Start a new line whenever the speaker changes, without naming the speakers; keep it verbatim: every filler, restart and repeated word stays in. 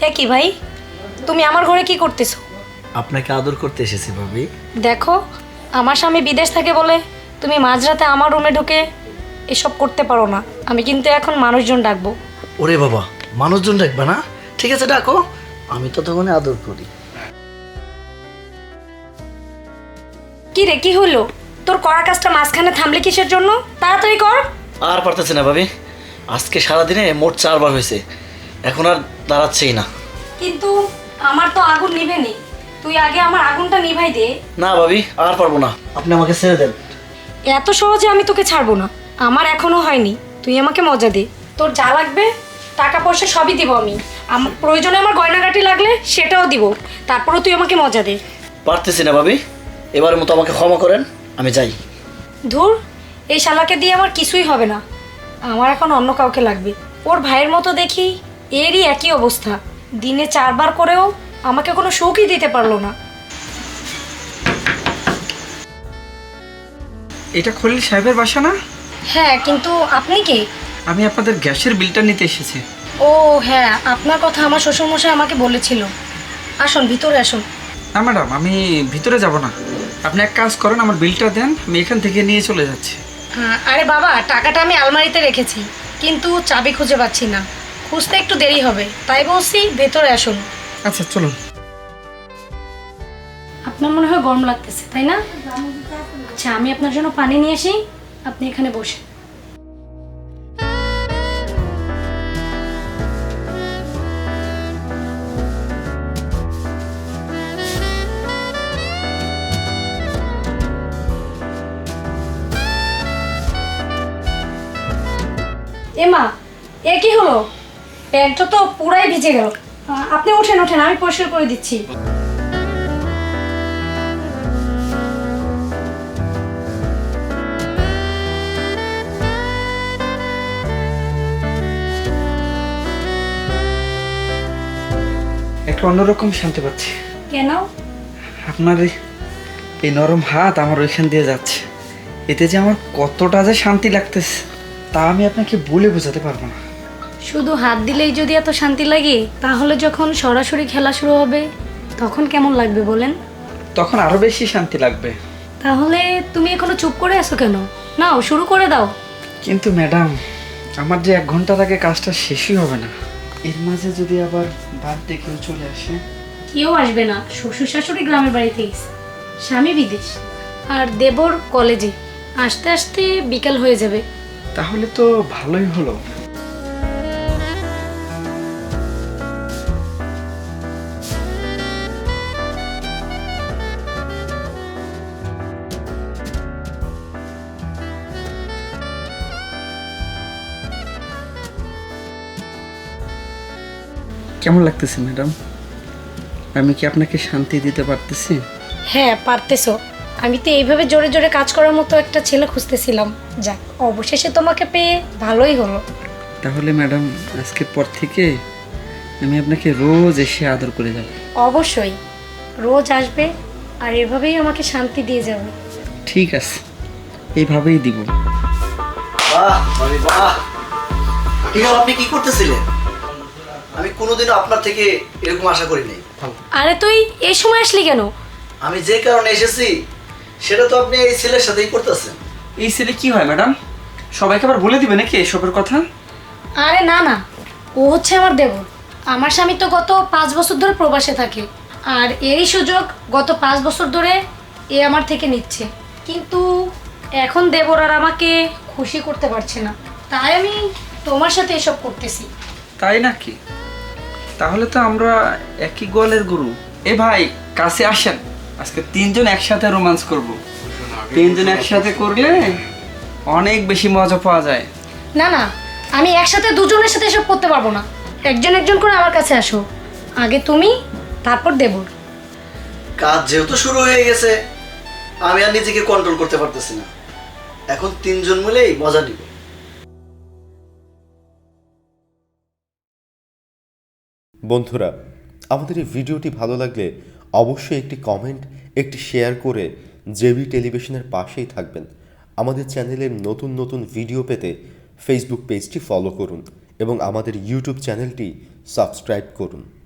এ কি ভাই, তুমি আমার ঘরে কি করতেছো?
আপনাকে আদর করতে এসেছি ভাবি।
দেখো, আমার স্বামী বিদেশ থাকে বলে তুমি মাঝরাতে আমার রুমে ঢুকে এসব করতে পারো না। আমি কিন্তু এখন মানুষজন ডাকবো।
ওরে বাবা, মানুষজন ডাকবে না? ঠিক আছে ডাকো, আমি তো তখন আদর করি।
কি রে, কি হলো? তোর করা কাজটা মাঝখানে থামলে কিসের জন্য? তাড়াতাড়ি কর।
আর পারতেছি না ভাবি, আজকে সারাদিনে মোট চারবার হয়েছে, এখন আর দাঁড়াচ্ছেই না।
কিন্তু আমার তো আগুন নিভেনি, তুই আগে আমার আগুনটা নিভাই দে।
না ভাবি, আর পারবো না, আপনি আমাকে ছেড়ে দেন।
এত সহজে আমি তোকে ছাড়বো না, আমার এখনো হয়নি। তুই আমাকে মজা দে, তোর যা লাগবে টাকা পয়সা সবই দিব আমি। আমার প্রয়োজনে আমার গয়নাগাটি লাগলে সেটাও দিব, তারপরেও তুই আমাকে মজা দে।
পারতেছি না ভাবি, এবারের মতো আমাকে ক্ষমা করেন, আমি যাই।
ধুর, এই শালাকে দিয়ে আমার কিছুই হবে না, আমার এখন অন্য কাউকে লাগবে। ওর ভাইয়ের মতো দেখি, এরই একই অবস্থা, দিনে চারবার করেও আমাকে কোনো সুখই দিতে পারলো না।
এটা খলিল সাহেবের বাসা না?
হ্যাঁ, কিন্তু আপনি কে?
আমি আপনাদের গ্যাসের বিলটা নিতে এসেছি।
ও হ্যাঁ, আপনার কথা আমার শ্বশুরমশাই আমাকে বলেছিল। আসুন, ভিতরে আসুন।
না ম্যাডাম, আমি ভিতরে যাব না, আপনি এক কাজ করেন, আমার বিলটা দেন, আমি এখান থেকে নিয়ে চলে যাচ্ছি।
হ্যাঁ, আরে বাবা, টাকাটা আমি আলমারিতে রেখেছি, কিন্তু চাবি খুঁজে পাচ্ছি না। খুঁজতে একটু দেরি হবে, তাই বলছি ভেতরে আসুন।
আচ্ছা চলুন।
আপনার মনে হয় গরম লাগতেছে, তাই না? আচ্ছা, আমি আপনার জন্য পানি নিয়ে আসি, আপনি এখানে বসে। এমা, এ কি হলো? প্যান্টটা তো পুরাই ভিজে গেল। আহ, আপনি ওঠেন ওঠেন, আমি পরিষ্কার করে দিচ্ছি।
একটা অন্যরকম শান্তি পাচ্ছি।
কেন?
আপনার এই- এই নরম হাত আমার ওইখান দিয়ে যাচ্ছে, এতে যে আমার কতটা যে শান্তি লাগতেছে তা আমি আপনাকে বলে বোঝাতে পারবো না।
শুধু হাত দিলেই যদি এত শান্তি লাগে, তাহলে যখন সরাসরি খেলা শুরু হবে তখন কেমন লাগবে বলেন?
তখন আরো বেশি শান্তি লাগবে।
তাহলে তুমি এখনো চুপ করে আছো কেন? নাও, শুরু করে দাও।
কিন্তু ম্যাডাম, আমার যে এক ঘন্টার আগে কাজটা শেষই হবে না, এর মাঝে যদি আবার বাড়িতে কেউ চলে আসে?
কেউ আসবে না, শ্বশুর শাশুড়ি গ্রামের বাড়িতে গেছে, স্বামী বিদেশ, আর দেবর কলেজে। আসতে আসতে বিকাল হয়ে যাবে।
তাহলে তো ভালোই হলো। কেমন লাগতেছে ম্যাডাম? আমি কি আপনাকে শান্তি দিতে পারতেছি?
হ্যাঁ, পারতেছো। আমি তো এইভাবে জোরে জোরে কাজ করার মতো একটা ছেলে খুঁজতেছিলাম। যাক, অবশেষে তোমাকে পেয়ে ভালোই হলো।
তাহলে ম্যাডাম, আজকের পর থেকে আমি আপনাকে রোজ এসে আদর করে যাব।
অবশ্যই, রোজ আসবে আর এভাবেই আমাকে শান্তি দিয়ে যাবে।
ঠিক আছে, এইভাবেই দিব।
বাহ ভাবি বাহ, ঠিক আছে। আপনি কি করতেছিলেন? আমি কোনোদিনও আপনার থেকে এরকম আশা করি নাই।
আরে তুই এই সময় আসলি কেন?
আমি যে কারণে এসেছি সেটা তো আপনি এই ছেলের সাথেই করতেছেন।
এই ছেলে কি হয় ম্যাডাম? সবাইকে আবার বলে দিবে নাকি এসবের কথা?
আরে না না, ও হচ্ছে আমার দেবর। আমার স্বামী তো গত পাঁচ বছর ধরে প্রবাসে থাকে, আর এরই সুযোগ গত পাঁচ বছর ধরে এ আমার থেকে নিচ্ছে। কিন্তু এখন দেবর আর আমাকে খুশি করতে পারছে না, তাই আমি তোমার সাথে এসব করতেছি।
তাই নাকি? তাহলে তো আমরা একই গোয়ালের গরু। এ ভাই, কাছে আসেন, আজকে তিনজন একসাথে রোমান্স করব। তিনজন একসাথে করলে অনেক বেশি মজা পাওয়া যায়।
না না, আমি একসাথে দুজনের সাথে এসব করতে পারবো না। একজন একজন করে আমার কাছে আসো, আগে তুমি, তারপর দেবর।
কাজ যেহেতু শুরু হয়ে গেছে, আমি আর নিজেকে কন্ট্রোল করতে পারতেছি না। এখন তিনজন মিলেই মজা নিব।
বন্ধুরা, আমাদের এই ভিডিওটি ভালো লাগলে অবশ্যই একটি কমেন্ট, একটি শেয়ার করে জেবি টেলিভিশনের পাশেই থাকবেন। আমাদের চ্যানেলের নতুন নতুন ভিডিও পেতে ফেসবুক পেজটি ফলো করুন এবং আমাদের ইউটিউব চ্যানেলটি সাবস্ক্রাইব করুন।